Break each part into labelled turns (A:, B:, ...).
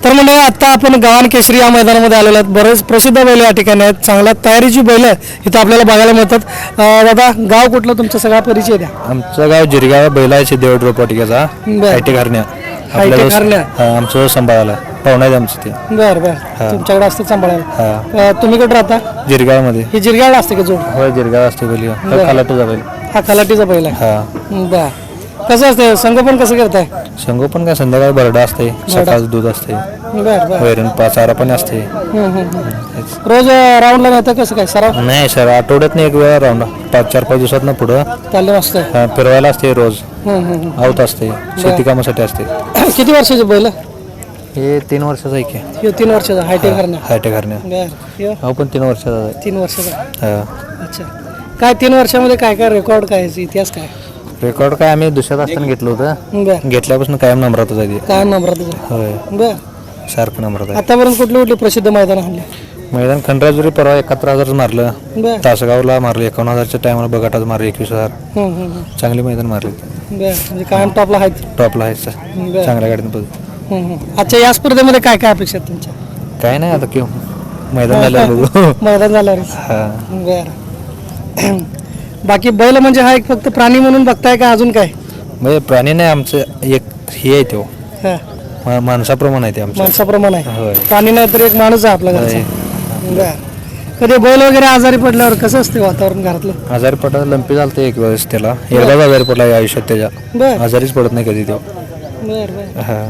A: तर म्हणजे आता आपण गव्हाण केसरी या मैदानामध्ये आलेलो आहेत. बरेच प्रसिद्ध बैल या ठिकाणी आहेत. चांगल्या तयारीची बैल इथं आपल्याला बघायला मिळतात. दादा गाव कुठलं तुमचा सगळा परिचय द्या.
B: आमचं गाव जिरगाव बैलाचे देवड रोपवाटिकेचा
A: बरं.
B: आयटी घारण्या
A: IT घारण्या.
B: आमचं सांभाळायला पाहुणा आहे आमचं ते
A: बरं बरं तुमच्याकडे असते सांभाळायला. तुम्ही कुठं राहता?
B: जिरगावमध्ये.
A: ही जिरगावला असते का जोड?
B: होय जिरगाव असते बैल खालाटूचा बैल.
A: हा खलाटीचा बैल आहे.
B: हा
A: बरं कसं असते संगोपन कसं करताय?
B: संगोपन काय संध्याकाळी बरडा असते सकाळचं दूध असते
A: बरं बरं
B: वैरण चारा पण असते.
A: रोज राऊंडला नेता कसं काय सराव
B: नाही सर आठवड्यात एक वेळा राऊंड 4-5 दिवसात पुढं
A: चाललं असतं?
B: फिरवायला असते रोज आवत असते शेती कामासाठी असते.
A: किती वर्षाचे बैल?
B: हे 3 वर्षाचं आहे की
A: हे 3 वर्षाचा हायटेक घालण्या.
B: हायटे घारण्या
A: बरं
B: हो पण 3 वर्षाचा आहे.
A: 3 वर्षाचा.
B: हा
A: अच्छा काय 3 वर्षामध्ये काय काय रेकॉर्ड काय याचा इतिहास काय?
B: रेकॉर्ड काय आम्ही दुसऱ्यात असताना घेतलं होतं.
A: बरं
B: घेतल्यापासून कायम नंबरातच आहे ते.
A: काय नंबरात?
B: होय
A: बरं
B: सारखं नंबरात आहे.
A: आतापर्यंत कुठली कुठली प्रसिद्ध मैदान हल्ले?
B: मैदान खंडराजुरी परवा 71,000 मारलं.
A: बरं
B: तासगावला मारलं 51,000च्या टायमाला बघाटाच मारलं 21,000. चांगली मैदान मारली
A: बरं म्हणजे कायम टॉपला आहेत.
B: टॉपला आहे
A: बरं.
B: चांगल्या गाडीनं पद.
A: अच्छा या स्पर्धेमध्ये काय काय अपेक्षा आहेत तुमच्या?
B: काय नाही आता किंवा मैदान झालं बघू.
A: मैदान झाल्यावर
B: हा
A: बरं बाकी बैल म्हणजे हा एक फक्त प्राणी म्हणून बघताय का अजून काय?
B: म्हणजे प्राणी नाही आमचं एक हे आहे तो
A: हा
B: माणसाप्रमाणे आहे ते आमचं.
A: माणसाप्रमाणे आहे.
B: होय
A: प्राणी नाही तर एक माणूस आहे आपला
B: होय.
A: घरचा. बरं कधी बैल वगैरे आजारी पडल्यावर कसं असते वातावरण घरातलं?
B: आजारी पडला लंपी झालं एक वेळेस त्याला एकदाच आजारी पडला या आयुष्यात त्याच्या.
A: बरं
B: आजारीच पडत नाही कधी तो.
A: बरं बरं
B: हा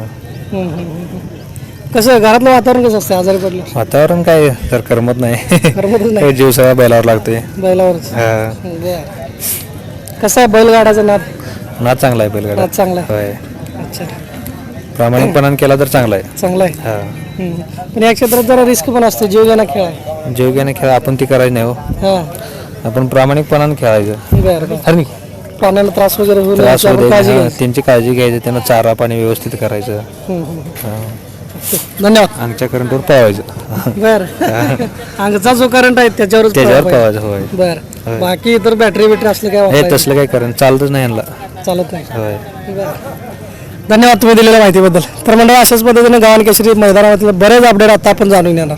A: कसं घरातलं वातावरण कसं असतं आजारी पडल्यावर?
B: वातावरण काय तर करमत नाही.
A: करमतच नाही
B: काही जीव सगळा बैलावर लागतोय.
A: बैलावरच.
B: हा
A: बरं कसं आहे बैलगाडाचा नाद?
B: नाच चांगला आहे बैलगाडा.
A: नाद चांगला आहे.
B: होय
A: अच्छा
B: प्रामाणिकपणाने केला तर चांगला आहे.
A: चांगला आहे.
B: हा
A: पण या क्षेत्रात जरा रिस्क पण असते जीवघेणा खेळ आहे.
B: जीवघेणे खेळ आपण ती करायची नाही हो.
A: हां
B: आपण प्रामाणिकपणाने खेळायचं.
A: बरं बरं
B: अरे
A: प्राण्याला त्रास वगैरे होऊ नये
B: त्रास
A: याची
B: होऊ
A: आपण
B: दे.
A: काळजी
B: हा,
A: घ्यायची.
B: त्यांची काळजी घ्यायची त्यांना चारा पाणी व्यवस्थित करायचं. हा.
A: धन्यवाद.
B: आमच्या करंटवर पळवायचं.
A: बरं अंगचा जो करंट आहे त्याच्यावरच
B: त्याच्यावर
A: पळायला
B: पळवायचं होय.
A: पाहिजे. बरं बाकी इतर बॅटरी बिटरी असलं काय
B: हे
A: वापरायचं?
B: तसलं काही करण चालतच नाही यांना.
A: चालत नाही.
B: होय
A: बरं धन्यवाद तुम्ही दिलेल्या माहितीबद्दल. तर म्हणजे अशाच पद्धतीने गव्हाण केसरी मैदानामधले बरेच अपडेट आता आपण जाणून घेणार.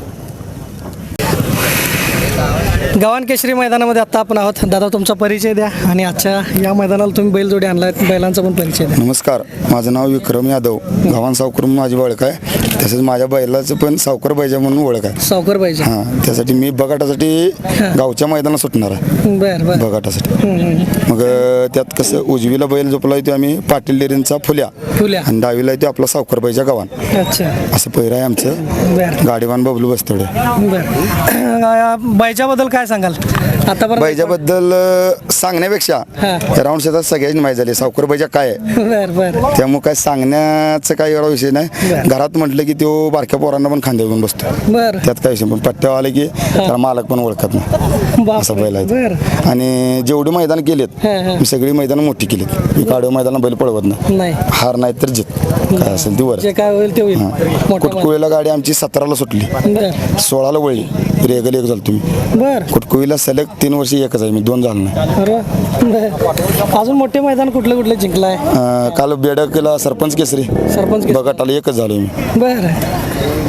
A: गव्हाण केसरी मैदानामध्ये आता आपण आहोत. दादा तुमचा परिचय द्या आणि आजच्या या मैदानाला तुम्ही बैलजोडी आणला बैलांचा पण परिचय द्या.
C: नमस्कार, माझं नाव विक्रम यादव. गव्हाण सावकर म्हणून माझी ओळख आहे. तसंच माझ्या बैलाचं पण सावकर बैजा म्हणून ओळख आहे.
A: सावकर पाहिजे.
C: हां त्यासाठी मी बगाटासाठी गावच्या मैदानात सुटणार आहे.
A: बरं बरं
C: बगाटासाठी मग त्यात कसं उजवीला बैल झोपला आहे तो आम्ही पाटील डेअरींचा फुल्या
A: फुल्या.
C: आणि डावीला आहे तो आपला सावकर बैजा गव्हाण.
A: अच्छा
C: असं पहिरं आहे आमचं.
A: बरं
C: गाडीवान बबलू बस्तोडे.
A: बरं बैजाबद्दल काय सांगाल आतापर्यंत?
C: बैजाबद्दल सांगण्यापेक्षा
A: हां.
C: त्या राऊंड शेतात सगळ्यांची माहिती झाली सावकर बैजा काय आहे.
A: बरं बरं
C: त्यामुळे काय सांगण्याचं काही एवढा विषय नाही.
A: बरं.
C: घरात म्हटलं की तो बारक्या पोरांना पण खांद्यावर घेऊन बसतो.
A: बरं
C: त्यात काय विषय पण पट्ट्यावर आले की त्याला मालक पण ओळखत नाही
A: बापरे.
C: असं बैल आहे.
A: बरं
C: आणि जेवढी मैदान केलेत
A: हां, हां.
C: मी सगळी मैदान मोठी केलीत. मी काढव मैदान बैल पळवत नाही.
A: नाही
C: हार नाही तर जित काय असेल ती वर.
A: जे काय होईल ते होईल. मोठा
C: कुटकुळीला गाडी आमची 17ला सुटली,
A: बरं
C: 16ला वळली, रेगल एक झालं तुम्ही.
A: बरं
C: कुटकुळीला सलग 3 वर्ष एकच आहे मी, 2 झालं नाही.
A: बरं अजून मोठे मैदान कुठलं जिंकलाय?
C: काल बेडकला सरपंच केसरी
A: सरपंच
C: बघाटाला एकच झालो मी.
A: बरं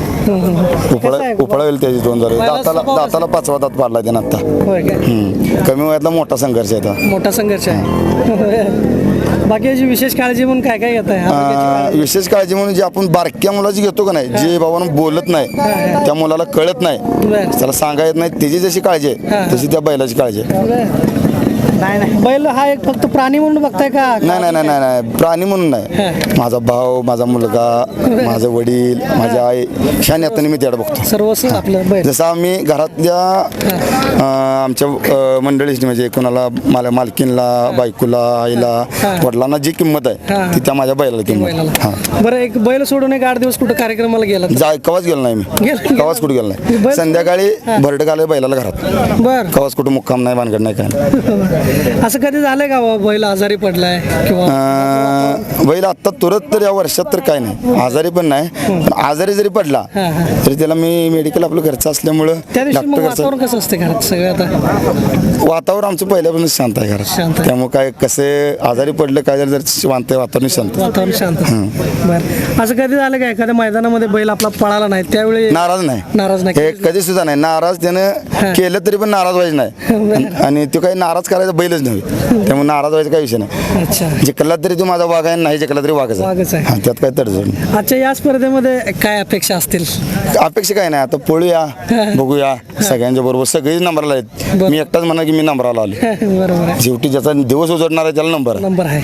C: उपळा होईल त्याची 2 झाले. दाताला 5वा दात पाडला त्यानं आता.
A: होय काय
C: कमी वयातला मोठा संघर्ष आहे आता.
A: मोठा संघर्ष आहे. बाकी याची विशेष काळजी म्हणून काय काय घेत आहे?
C: विशेष काळजी म्हणून जे आपण बारक्या मुलाची घेतो का नाही, जे बाबांना बोलत नाही त्या मुलाला कळत नाही,
A: बरं
C: त्याला सांगा येत नाही, त्याची जशी काळजी आहे तशी त्या बैलाची काळजी आहे.
A: नाही बैल हा एक फक्त प्राणी म्हणून बघताय का?
C: नाही प्राणी म्हणून नाही. माझा भाऊ, माझा मुलगा, माझं वडील, माझी आई ह्या नात्याने मी त्याला बघतो.
A: सर्वस्व आपलं बैल.
C: जसं आम्ही घरातल्या आमच्या मंडळीची म्हणजे कोणाला मालकीनला, बायकोला, आईला, वडिलांना जी किंमत आहे ती त्या माझ्या बैलाला किंमत आहे. हां
A: बरं एक बैल सोडून एक 8 दिवस कुठं कार्यक्रमाला गेला?
C: कवाच गेलो नाही मी. कवाच कुठं गेलो नाही. संध्याकाळी भरड घालाय बैलाला घरात.
A: बरं
C: कवाच कुठं मुक्काम नाही, भानगड नाही काय नाही.
A: असं कधी झालंय का बाबा बैल आजारी पडलाय किंवा
C: बैल आत्ता तुरंत तर या वर्षात तर काय नाही, आजारी पण नाही. पण आजारी जरी पडला तरी त्याला मी मेडिकल आपलं घरचं असल्यामुळं
A: त्या दिवशी मग
C: डॉक्टर
A: वातावरण कसं असते घरात सगळं आता?
C: वातावरण आमचं पहिल्यापासून शांत आहे
A: शांत
C: घरात.
A: आहे.
C: त्यामुळे काय कसे आजारी पडलं काय जर शांत आहे, वातावरण शांत.
A: वातावरण शांत. बरं, असं कधी झालं का एखाद्या मैदानामध्ये बैल आपला पळाला नाही त्यावेळी
C: नाराज नाही,
A: नाराज नाही?
C: हे कधी सुद्धा नाही नाराज. त्यानं केलं तरी पण नाराज व्हायचं नाही. आणि तो काही नाराज करायचा बैलच नव्हे, त्यामुळे नाराज व्हायचा काही विषय नाही.
A: अच्छा,
C: जिंकला तरी तो माझा वाघ आहे, नाही जिंकला तरी वाघच
A: वाघच आहे.
C: आहे. त्यात काय तडजोड नाही.
A: आजच्या या स्पर्धेमध्ये काय अपेक्षा असतील?
C: अपेक्षा काय नाही, आता पळूया, बघूया. सगळ्यांच्या बरोबर सगळेच नंबरला आहेत. मी एकटाच म्हणा की मी नंबरला आलो.
A: बरोबर आहे,
C: शेवटी ज्याचा दिवस उजडणार आहे त्याला नंबर आहे.
A: नंबर आहे.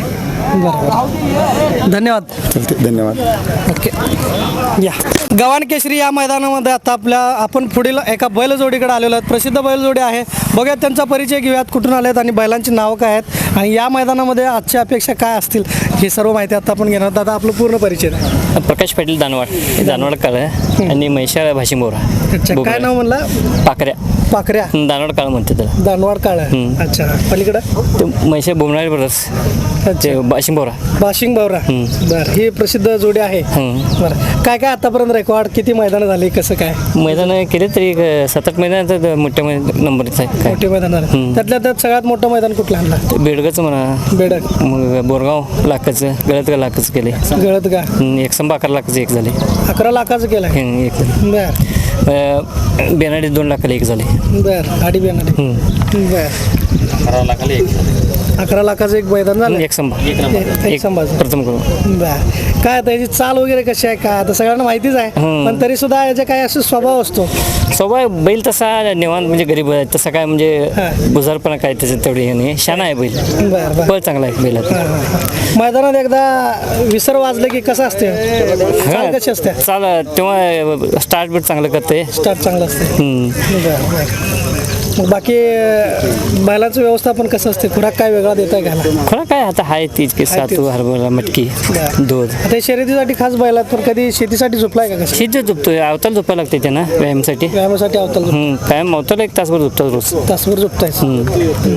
A: बरोबर, धन्यवाद.
C: चालतंय, धन्यवाद.
A: ओके, या गव्हाण केसरी या मैदानामध्ये आता आपण पुढील एका बैलजोडीकडे आलेलो आहेत. प्रसिद्ध बैलजोडी आहे, बघूयात त्यांचा परिचय घेऊयात, कुठून आलेत आणि बैलांची नावं काय आहेत आणि या मैदानामध्ये आजच्या अपेक्षा काय असतील ही सर्व माहिती आता आपण घेणार आहोत. आता आपलं पूर्ण परिचय द्या.
D: प्रकाश पाटील दानवाड काळ आणि म्हैशाळ भाशिंबोरा.
A: अच्छा, काय नाव म्हणलं?
D: पाकऱ्या
A: पाखऱ्या,
D: दानवाड काळ म्हणते त्याला.
A: दानवाड काळ. अच्छा, पलीकडं
D: ते म्हैशाळ बोमणारे ब्रदर्स ते भाशिंबोरा.
A: बाशिंग बावरा. बरं, ही प्रसिद्ध जोडी आहे. बरं, काय काय आतापर्यंत रेकॉर्ड, किती मैदानं झाली, कसं काय?
D: मैदान केले तरी 7-8 मैदान मोठ्या नंबरच आहे काय.
A: मोठे मैदान झाले. त्यातल्या त्यात सगळ्यात मोठं मैदान कुठलं आणलं?
D: ते बेडगंचं म्हणा,
A: बेडक,
D: मग बोरगाव लाखाचं, गळतगाव लाखाचं केले.
A: गळत का
D: 111 लाखाचं एक झाले.
A: 11 लाखाचं केलं.
D: एक झाले.
A: बर
D: बेनाडी 2 लाखाला एक झाले.
A: बर, आडी बेनाडी. बर,
D: 11 लाखाला एक झाले.
A: 11 लाखाचं एक मैदान झालं.
D: एक संभा
A: एक संभाजी.
D: प्रथम करून.
A: बर, काय त्याची चाल वगैरे कशी आहे काय आता सगळ्यांना माहितीच आहे, पण तरी सुद्धा याचा काय असं स्वभाव असतो?
D: स्वभाव बैल तसा निवांत म्हणजे गरीब आहे तसा काय म्हणजे बुजारपणा काय त्याच्यात तेवढी हे नाही. शाणा आहे बैल,
A: बर बर.
D: बळ चांगला आहे बैलात.
A: मैदानात एकदा विसर वाजलं की कसं असते, चाल कशी असते?
D: चाल तेव्हा स्टार्ट बीट चांगलं करते.
A: स्टार्ट चांगलं असते. बर बर. मग बाकी बैलाचं व्यवस्थापन कसं असते? खुराक काय वेगळा देताय घाला?
D: खरं काय आता आहे तीच की सातू हरभरा मटकी दूध.
A: आता शर्यतीसाठी खास बैलात, पण कधी शेतीसाठी झोपलाय का? कसं
D: शिज झोपतोय, अवताल झोपायला लागते त्यांना व्यायामासाठी.
A: व्यायामासाठी अवताल
D: कायम अवताला 1 तासभर झोपतात रोज.
A: तासभर झोपताय.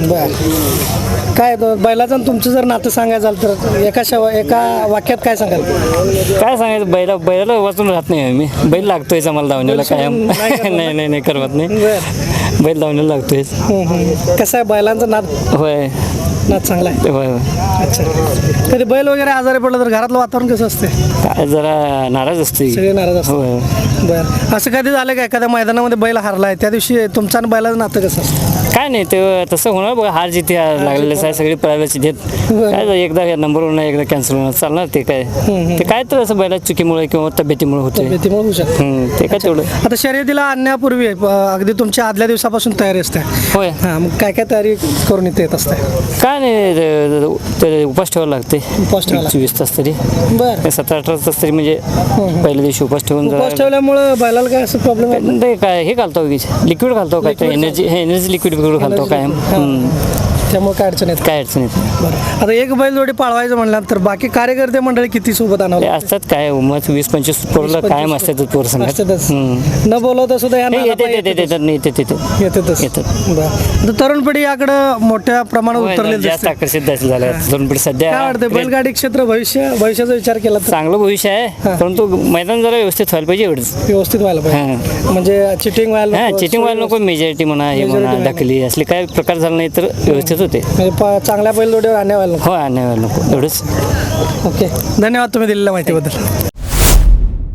A: बर, काय बैलाचं आणि तुमचं जर नातं सांगायचं झालं तर एका वाक्यात काय सांगाल?
D: काय सांगायचं, बैलाला वाचून राहत नाही मी. बैल लागतोय आम्हाला धावण्याला कायम. नाही करवत नाही,
A: बर,
D: बैल धावण्याला लागतोय.
A: कसं आहे बैलांचा नाद?
D: होय,
A: नाद चांगला आहे.
D: होय.
A: अच्छा, कधी बैल वगैरे आजारी पडलं तर घरातलं वातावरण कसं असते?
D: काय जरा नाराज असते.
A: सगळे नाराज असतात.
D: होय.
A: बरं, असं कधी झालं का एखाद्या मैदानामध्ये बैल हारलाय त्या दिवशी तुमचं आणि बैलाचं नातं कसं असतं?
D: काय नाही ते तसं होणार बघा. हार जिथे लागलेलं आहे, सगळी पळायला देत. काय एकदा नंबर नाही, एकदा कॅन्सल होणार, चालणार ते काय. ते काय तर असं बैला चुकीमुळे किंवा तब्येतीमुळे होते.
A: तब्येतीमुळे होऊ शकतं.
D: ते काय तेवढं.
A: आता शर्यतीला आणण्यापूर्वी अगदी तुमच्या आदल्या दिवसापासून तयारी असते.
D: होय.
A: हां, मग काय काय तयारी करून इथे येत असते?
D: काय नाही ते उपास ठेवायला लागते.
A: उपास ठेवायला.
D: 24 तास तरी,
A: बरं.
D: 17-18 तास तरी म्हणजे पहिल्या दिवशी उपास ठेवून
A: उपास ठेवल्यामुळे बैलाला काय असं प्रॉब्लेम आहे?
D: ते काय हे घालतो लिक्विड घालतो काय एनर्जी लिक्विड घालतो कायम.
A: त्यामुळे काय अडचण येत?
D: काय अडचण येत नाही.
A: बरं, आता एक बैल जोडी पाळवायचं म्हणल्यानंतर बाकी कार्यकर्ते मंडळी किती सोबत
D: ते
A: आणावं?
D: असतात काय मग 20-25 पोरला कायम असतातच पोर संघात.
A: असतातच. न बोलवता सुद्धा या नादापायी
D: येतातच.
A: येतातच. बरं, आता तरुण पिढी याकडं मोठ्या प्रमाणात उतरलेली
D: जास्त
A: दिसते.
D: आकर्षित झालं तरुण पिढी सध्या.
A: काय वाटतं बैलगाडी क्षेत्र भविष्याचा विचार केला तर
D: चांगलं भविष्य आहे, परंतु मैदान जरा व्यवस्थित व्हायला पाहिजे एवढंच.
A: व्यवस्थित व्हायला पाहिजे, म्हणजे चिटिंग व्हायला नको,
D: चिटिंग व्हायला नको. मेजॉरिटी म्हणा, हे म्हणा, ढकली असले काय प्रकार झाले नाही तर व्यवस्थित होते.
A: म्हणजे चांगल्या बैल जोडीवर आणण्या व्हायला नको.
D: हो, नाही व्हायला नको एवढंच.
A: ओके, धन्यवाद तुम्ही दिलेल्या माहितीबद्दल.